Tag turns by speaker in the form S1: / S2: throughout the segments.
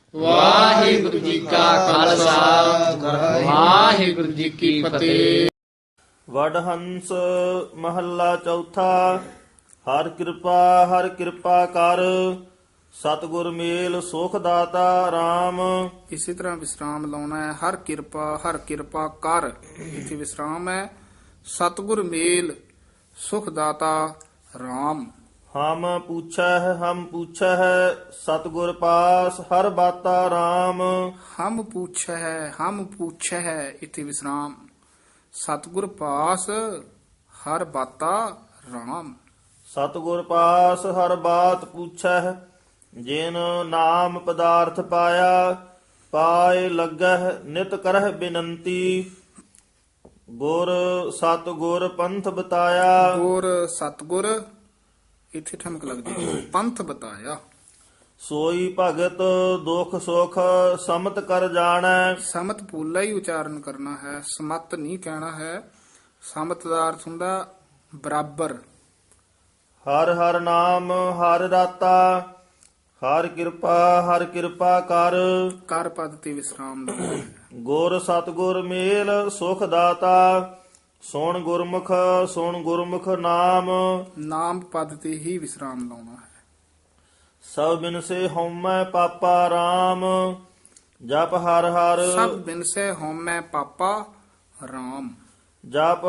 S1: ਵਾਹਿਗੁਰੂ ਜੀ ਕਾ ਖਾਲਸਾ ਵਾਹਿਗੁਰੂ ਜੀ ਕੀ ਫਤਿਹ।
S2: ਵਡਹੰਸ ਮਹੱਲਾ ਚੌਥਾ। ਹਰ ਕਿਰਪਾ ਕਰ, ਸਤਿਗੁਰ ਮੇਲ ਸੁਖ ਦਾਤਾ RAM।
S3: ਇਸੇ ਤਰ੍ਹਾਂ ਵਿਸਰਾਮ ਲਾਉਣਾ ਹੈ। ਹਰ ਕਿਰਪਾ ਕਰ, ਇੱਥੇ ਵਿਸਰਾਮ ਹੈ। ਸਤਿਗੁਰ ਮੇਲ ਸੁਖ ਦਾਤਾ RAM।
S2: ਹਮ ਪੁੱਛੈ ਸਤਿਗੁਰ ਪਾਸ, ਹਰ ਬਾਤਾ RAM।
S3: ਹਮ ਪੁੱਛ ਹੈ ਇੱਥੇ ਵਿਸਰਾਮ। ਸਤਿਗੁਰ ਪਾਸ ਹਰ ਬਾਤਾ RAM।
S2: ਸਤਿਗੁਰ ਪਾਸ ਹਰ ਬਾਤ ਪੁੱਛੈ, ਜਿਨ ਨਾਮ ਪਦਾਰਥ ਪਾਇਆ। ਪਾਏ ਲੱਗਹਿ ਨਿਤ ਕਰਹਿ ਬਿਨੰਤੀ, ਗੁਰ ਸਤਿਗੁਰ ਪੰਥ ਬਤਾਇਆ।
S3: ਗੁਰ ਸਤਿਗੁਰ ਇੱਥੇ ਠਮਕ ਲੱਗਦੀ ਹੈ। ਪੰਥ ਬਤਾਇਆ।
S2: ਸੋਈ ਭਗਤ ਦੁਖ ਸੁਖ ਸਮਤ ਕਰ ਜਾਣੈ।
S3: ਸਮਤ ਪੂਲਾ ਹੀ ਉਚਾਰਨ ਕਰਨਾ ਹੈ, ਸਮਤ ਨਹੀਂ ਕਹਿਣਾ ਹੈ। ਸਮਤ ਦਾ ਅਰਥ ਹੁੰਦਾ ਬਰਾਬਰ।
S2: ਹਰ ਹਰ ਨਾਮ ਹਰ ਰਾਤਾ, ਹਰ ਕਿਰਪਾ
S3: ਕਰ ਪਦ ਤੇ ਵਿਸਰਾਮ ਲਾਉਣਾ ਹੈ।
S2: ਗੁਰ ਸਤਿਗੁਰ ਮੇਲ ਸੁਖ ਦਾਤਾ, ਸੁਣ ਗੁਰਮੁਖ ਨਾਮ।
S3: ਨਾਮ ਪਦ ਤੇ ਹੀ ਵਿਸਰਾਮ ਲਾਉਣਾ ਹੈ।
S2: ਸਭ ਬਿਨਸੇ ਹਉਮੈ ਪਾਪਾ RAM। ਜਪ ਹਰ
S3: ਸਭ ਬਿਨਸੇ ਹਉਮੈ ਪਾਪਾ RAM।
S2: ਜਪ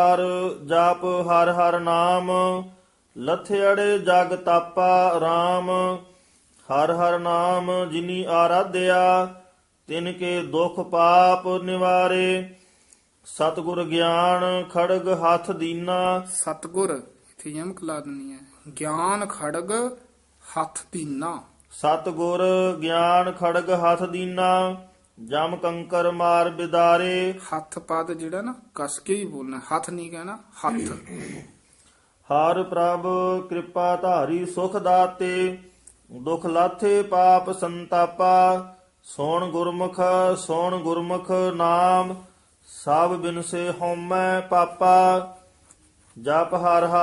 S2: ਹਰ ਹਰ ਨਾਮ, ਲਥਿਅੜੇ ਜਗ ਤਾਪਾ RAM। ਹਰ ਹਰ ਨਾਮ ਜਿਨੀ ਆਰਾਧਿਆ, ਤਿਨ ਕੇ ਦੁਖ ਪਾਪ ਨਿਵਾਰੇ। ਸਤਿਗੁਰ ਗਿਆਨ ਖੜਗ ਹੱਥ ਦੀਨਾ।
S3: ਸਤਿਗੁਰ ਇੱਥੇ ਯਮਕ ਲਾ ਦੇਣੀ ਹੈ। ਗਿਆਨ ਖੜਗ ਹੱਥ ਦੀਨਾ।
S2: ਸਤਿਗੁਰ ਗਿਆਨ ਖੜਗ ਹੱਥ ਦੀਨਾ, ਜਮ ਕੰਕਰ ਮਾਰ ਬਿਦਾਰੇ।
S3: ਹੱਥ ਪਦ ਜਿਹੜਾ ਨਾ ਕਸ ਕੇ ਹੀ ਬੋਲਣਾ, ਹੱਥ ਨਹੀਂ ਕਹਿਣਾ, ਹੱਥ।
S2: ਹਰ ਪ੍ਰਭ ਕਿਰਪਾ ਧਾਰੀ ਸੁਖ ਦਾਤੇ, ਦੁਖ ਲਾਥੇ ਪਾਪ ਸੰਤਾਪਾ। ਸੁਣ ਗੁਰਮੁਖ ਨਾਮ, ਸਭ ਬਿਨਸੇ ਹਉਮੈ ਪਾਪਾ। ਜਪ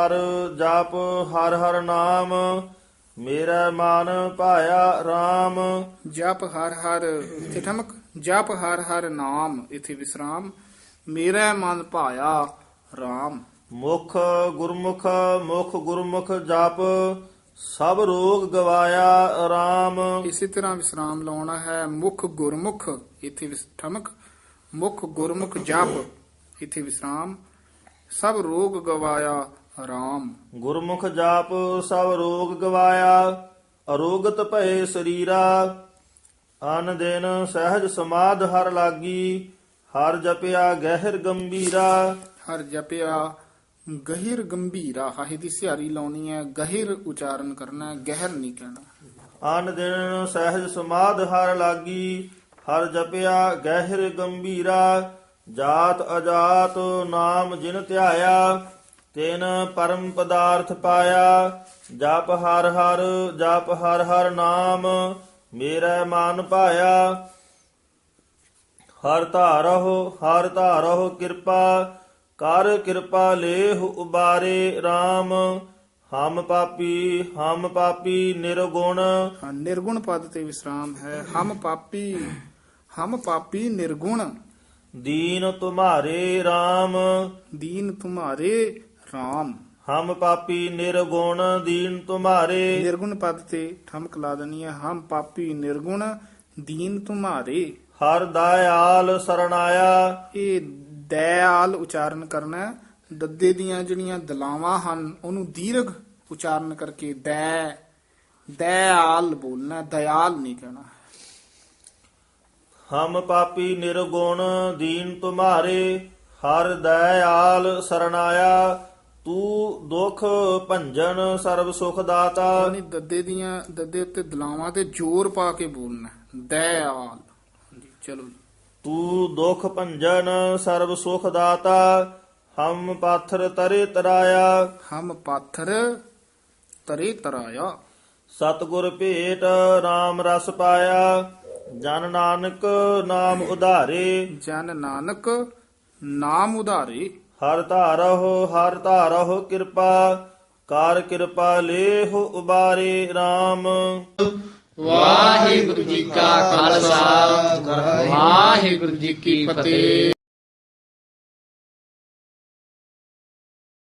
S2: ਹਰ ਹਰ ਨਾਮ, ਮੇਰਾ ਮਨ ਭਾਇਆ RAM।
S3: ਜਪ ਹਰ ਇੱਥੇ ਠਮਕ। ਜਪ ਹਰ ਨਾਮ ਇੱਥੇ ਵਿਸਰਾਮ। ਮੇਰਾ ਮਨ ਭਾਇਆ RAM।
S2: ਮੁਖ ਗੁਰਮੁਖ ਜਪ, ਸਭ ਰੋਗ ਗਵਾਇਆ RAM।
S3: ਇਸੇ ਤਰ੍ਹਾਂ ਵਿਸਰਾਮ ਲਾਉਣਾ ਹੈ। ਮੁਖ ਗੁਰਮੁਖ ਇੱਥੇ ਠਮਕ। ਮੁਖ ਗੁਰਮੁਖ ਜਪ ਇੱਥੇ ਵਿਸਰਾਮ। ਸਭ ਰੋਗ ਗਵਾਇਆ RAM।
S2: ਗੁਰਮੁਖ ਜਾਪ ਸਭ ਰੋਗ ਗਵਾਇਆ, ਅਰੋਗਤ ਭਏ ਸਰੀਰਾ। ਅਨ ਦਿਨ ਸਹਿਜ ਸਮਾਧ ਹਰ ਲਾਗੀ, ਹਰ ਜਪਿਆ ਗਹਿਰ ਗੰਭੀਰਾ।
S3: ਹਰ ਜਪਿਆ ਗਹਿਰ ਗੰਭੀਰਾ, ਹਾਹੇ ਦੀ ਸਿਹਾਰੀ ਲਾਉਣੀ ਹੈ। ਗਹਿਰ ਉਚਾਰਨ ਕਰਨਾ ਹੈ, ਗਹਿਰ ਨਹੀਂ ਕਹਿਣਾ।
S2: ਅਨ ਦਿਨ ਸਹਿਜ ਸਮਾਧ ਹਰ ਲਾਗੀ, ਹਰ ਜਪਿਆ ਗਹਿਰ ਗੰਭੀਰਾ। ਜਾਤ ਅਜਾਤ ਨਾਮ ਜਿਨ ਧਿਆਇਆ, ਤਿਨ ਪਰਮ ਪਦਾਰਥ ਪਾਇਆ। ਜਪ ਹਰ ਹਰ ਨਾਮ, ਮੇਰਾ ਮਨ ਭਾਇਆ। ਹਰ ਧਾਰਹੁ ਕਿਰਪਾ ਕਰ, ਕਿਰਪਾ ਲੇਹੁ ਉਬਾਰੇ RAM। ਹਮ ਪਾਪੀ ਨਿਰਗੁਣ।
S3: ਨਿਰਗੁਣ ਪਦ ਤੇ ਵਿਸਰਾਮ ਹੈ। ਹਮ ਪਾਪੀ ਨਿਰਗੁਣ।
S2: ਦੀਨ ਤੁਮਾਰੇ RAM।
S3: ਦੀਨ ਤੁਮਾਰੇ RAM।
S2: ਹਮ ਪਾਪੀ ਨਿਰਗੁਣ, ਦੀਨ ਤੁਮਾਰੇ।
S3: ਨਿਰਗੁਣ ਪਦ ਤੇ ਠਮਕ ਲਾ ਦੇਣੀ ਹੈ। ਹਮ ਪਾਪੀ ਨਿਰਗੁਣ, ਦੀਨ ਤੁਮਾਰੇ।
S2: ਹਰ ਦਇਆਲ ਸਰਣਾਇਆ।
S3: ਇਹ ਦਇਆਲ ਉਚਾਰਨ ਕਰਨਾ ਹੈ। ਦੱਦੇ ਦੀਆਂ ਜਿਹੜੀਆਂ ਦਲਾਵਾਂ ਹਨ ਉਹਨੂੰ ਦੀਰਘ ਉਚਾਰਨ ਕਰਕੇ ਦਇਆਲ ਬੋਲਣਾ, ਦਇਆਲ ਨਹੀਂ ਕਹਿਣਾ।
S2: ਹਮ ਪਾਪੀ ਨਿਰਗੁਣ, ਦੀਨ ਤੁਮਾਰੇ। ਹਰ ਦਇਆਲ ਸਰਣਾਇਆ, ਤੂੰ ਦੁਖ ਭੰਜਨ ਸਰਬ ਸੁਖ ਦਾਤਾ।
S3: ਯਾਨੀ ਦੱਦੇ ਉੱਤੇ ਦਲਾਵਾਂ ਤੇ ਜ਼ੋਰ ਪਾ ਕੇ ਬੋਲਣਾ, ਦਇਆਲ। ਹਾਂਜੀ ਚਲੋ ਜੀ।
S2: ਤੂੰ ਦੁਖ ਭੰਜਨ ਸਰਬ ਸੁਖ ਦਾਤਾ, ਹਮ ਪਾਥਰ ਤਰੇ ਤਰਾਇਆ।
S3: ਹਮ ਪਾਥਰ ਤਰੇ ਤਰਾਇਆ।
S2: ਸਤਿਗੁਰ ਭੇਟ RAM ਰਸ ਪਾਇਆ, ਜਨ ਨਾਨਕ ਨਾਮ ਉਧਾਰੇ।
S3: ਜਨ ਨਾਨਕ ਨਾਮ ਉਧਾਰੇ।
S2: ਹਰ ਧਾਰਹੁ ਕਿਰਪਾ ਕਰ, ਕਿਰਪਾ ਲੇਹੁ ਉਬਾਰੇ RAM।
S1: ਵਾਹਿਗੁਰੂ ਜੀ ਕਾ ਖਾਲਸਾ ਵਾਹਿਗੁਰੂ ਜੀ ਕੀ ਫਤਿਹ।